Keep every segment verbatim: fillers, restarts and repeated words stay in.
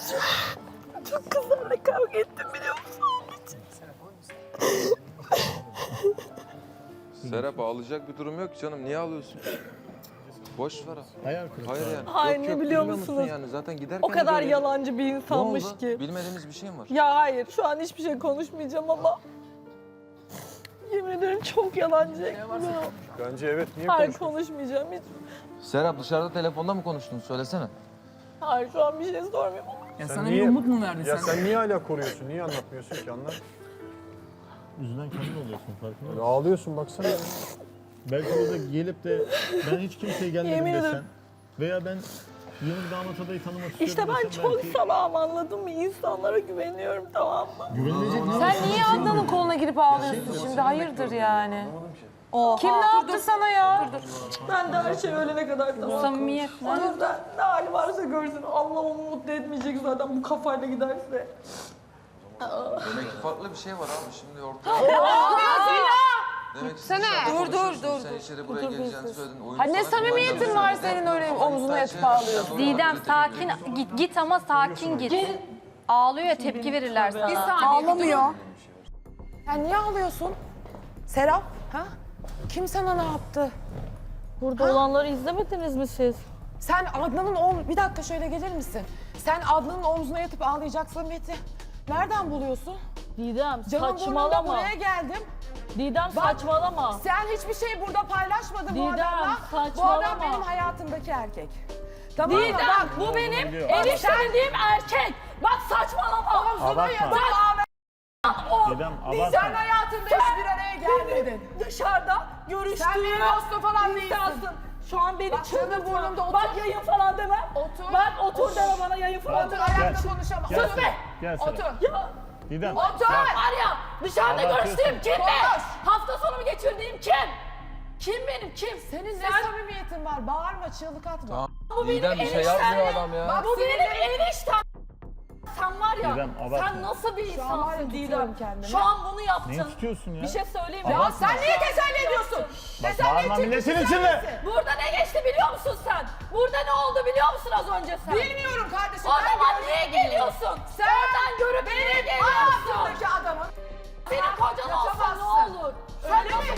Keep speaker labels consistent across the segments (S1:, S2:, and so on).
S1: Çok kızlarla kavga ettim biliyor musun?
S2: Serap ağlayacak bir durum yok canım. Niye ağlıyorsun? Boş ver.
S3: Hayal kırıklığı.
S2: Hayır yani.
S1: Hayır,
S2: Yok,
S1: ne
S2: yok,
S1: biliyor
S2: bilmiyor
S1: musunuz?
S2: musun Yani zaten giderken
S1: O kadar
S2: de böyle-
S1: yalancı bir
S2: Ne
S1: insanmış
S2: oldu?
S1: ki.
S2: Bilmediğimiz bir şey mi var?
S1: Ya hayır, şu an hiçbir şey konuşmayacağım ama... Yemin ederim çok yalancı. Ya.
S4: Bence evet. Niye
S1: Hayır,
S4: konuşmuyorsun?
S1: konuşmayacağım hiç.
S2: Serap dışarıda telefonda mı konuştun? Söylesene.
S1: Hayır, şu an bir şey sormuyorum.
S5: Ya
S4: Sen
S5: sana
S4: niye-
S5: bir umut mu verdi
S4: Ya
S5: sen?
S4: sen niye hala koruyorsun? Niye anlatmıyorsun ki? Anlat.
S3: Üzülen kendin oluyorsun farkında
S4: Ya
S3: mısın?
S4: ağlıyorsun baksana. ya.
S3: Belki orada gelip de ben hiç kimseye gelmedim
S1: Yemin
S3: desen
S1: ederim.
S3: veya ben yeni bir damat adayı tanımak istiyorum
S1: İşte ben
S3: desen
S1: çok
S3: belki
S1: salağım, anladın mı? İnsanlara güveniyorum, tamam mı?
S3: güvenilecek ne
S6: Sen niye Adnan'ın koluna girip ağlıyorsun şimdi? Hayırdır yani? Kim ne yaptı sana ya?
S1: Ben de her şey ölene kadar tamam.
S6: Samimiyet.
S1: O yüzden ne hali varsa görsün. Allah onu mutlu etmeyecek zaten bu kafayla giderse.
S2: Demek ki farklı bir şey var abi şimdi ortada. Demek ki
S6: Sene.
S2: dışarıda
S6: Dur, dur,
S2: konuşuyorsun,
S6: dur,
S2: Sen
S6: dur.
S2: içeri buraya geleceğini söyledin. Oyun
S6: Ha ne
S2: sana
S6: samimiyetin
S2: kullanacağını
S6: var
S2: söyledin.
S6: senin öyle
S2: Ama
S6: omzuna
S2: insan
S6: yatıp
S2: şeyler-
S6: ağlıyorsun?
S7: Didem
S2: Doğru,
S7: sakin
S2: tepki
S7: git git ama sakin git. Ağlıyor ya tepki verirler
S6: Bir
S7: sana.
S6: saniye. Ağlamıyor. Sen niye ağlıyorsun? Serap, ha? Kim sana ne yaptı?
S1: Burada olanları izlemediniz mi siz?
S6: Sen Adnan'ın om... Bir dakika şöyle gelir misin? Sen Adnan'ın omzuna yatıp ağlayacak samimiyeti nereden buluyorsun?
S1: Didem
S6: Canım burnunda
S1: saçmalama.
S6: buraya geldim.
S1: Didem
S6: Bak,
S1: saçmalama.
S6: Sen hiçbir şey burada paylaşmadın bu
S1: Didem,
S6: adamla. Bu
S1: saçmalama.
S6: adam benim hayatımdaki erkek. Tamam mı?
S1: Didem
S6: Bak,
S1: bu benim
S3: biliyor.
S1: enişte dediğim erkek. Bak saçmalama.
S6: omzuna
S3: Abartma.
S6: yatıp ağlayan
S3: Didem
S6: sen
S3: abartma.
S6: hayatında hiç bir araya gelmedin.
S1: Dışarıda görüştüğüm
S6: Sen benim dostum falan değilsin.
S1: insansın. Şu an beni
S6: Bak, canım
S1: çıldırtma.
S6: burnumda otur.
S1: Bak yayın falan deme.
S6: Otur.
S1: Bak otur deme bana yayın falan
S6: Otur
S1: deme.
S6: ayakta
S3: Gel.
S6: konuşamam.
S3: Gel
S6: Otur.
S3: Serap, gel Serap.
S6: Otur.
S1: Ya
S3: Didem.
S6: Otur.
S3: gel.
S1: var ya dışarıda
S3: Abartıyorsun.
S1: görüştüğüm kim be?
S6: Konuş.
S1: Hafta sonumu geçirdiğim kim? Kim benim kim?
S6: Senin ne
S1: Sen-
S6: samimiyetin var? Bağırma, çığlık atma.
S2: Tamam.
S1: Bu benim
S2: Didem bir şey
S1: eniştem
S2: yapmıyor
S1: ya.
S2: adam ya.
S6: Bak,
S1: Bu benim
S6: sinirlerim-
S1: eniştem. Sen var ya,
S3: Didem, abartma.
S1: sen nasıl bir
S6: Şu an var ya,
S1: insansın
S6: tutuyorum
S1: Didem?
S6: kendimi.
S1: Şu an bunu yaptın.
S3: Neyi tutuyorsun ya?
S1: Bir şey söyleyeyim mi?
S6: Ya sen niye teselli ediyorsun?
S3: Bak
S6: Teselli
S3: bağırma
S6: için
S3: milletin
S6: sen
S3: içinde.
S6: misin?
S1: Burada ne geçti biliyor musun sen? Burada ne oldu biliyor musun az önce sen?
S6: Bilmiyorum kardeşim.
S1: O
S6: ben
S1: zaman
S6: görmeye
S1: niye
S6: gidiyorum.
S1: geliyorsun?
S6: Sen
S1: Oradan görüp niye geliyorsun?
S6: hayatındaki adamın.
S1: Senin kocan olsa ne
S6: Kaçamazsın.
S1: olur?
S6: Öyle mi?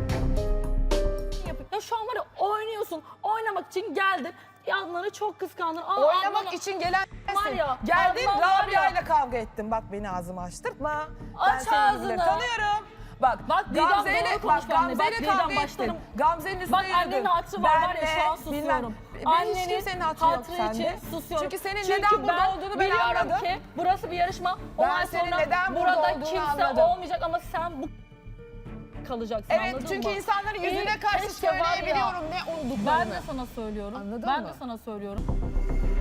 S1: Ya şu an var ya oynuyorsun. Oynamak için geldin. Adnan'ı çok kıskandın. Aa,
S6: Oynamak
S1: Adnan'ı-
S6: için gelen
S1: Var
S6: sensin.
S1: ya,
S6: Geldin
S1: Adnan var
S6: Rabia
S1: ya.
S6: ile kavga ettin. Bak beni ağzımı açtırtma.
S1: Aç
S6: ben seni
S1: ağzını.
S6: bile tanıyorum. Bak,
S1: Bak, Didem
S6: Gamze ile
S1: doğru konuş
S6: bak,
S1: benimle.
S6: Gamze
S1: Bak,
S6: ile
S1: Didem
S6: kavga ettin.
S1: başlarım.
S6: Gamze'nin üstüne
S1: Bak annenin
S6: yürüdün.
S1: hatırı var var ya
S6: Benle,
S1: şu an susuyorum.
S6: bilmem. Benim hiç kimsenin hatırı yok
S1: hatırı
S6: sende.
S1: için susuyorum.
S6: Çünkü senin neden burada olduğunu ben
S1: biliyorum
S6: anladım.
S1: ki burası bir yarışma.
S6: Ben
S1: Ondan
S6: senin
S1: sonra
S6: neden burada
S1: burada
S6: olduğunu
S1: kimse
S6: anladım.
S1: olmayacak ama sen bu kalacaksın,
S6: Evet,
S1: anladın
S6: çünkü
S1: mı?
S6: insanların yüzüne
S1: İyi,
S6: karşı
S1: keşke var ya.
S6: söyleyebiliyorum ne olduklarını.
S1: Ben de sana söylüyorum.
S6: Anladın
S1: ben
S6: mı?
S1: de sana söylüyorum.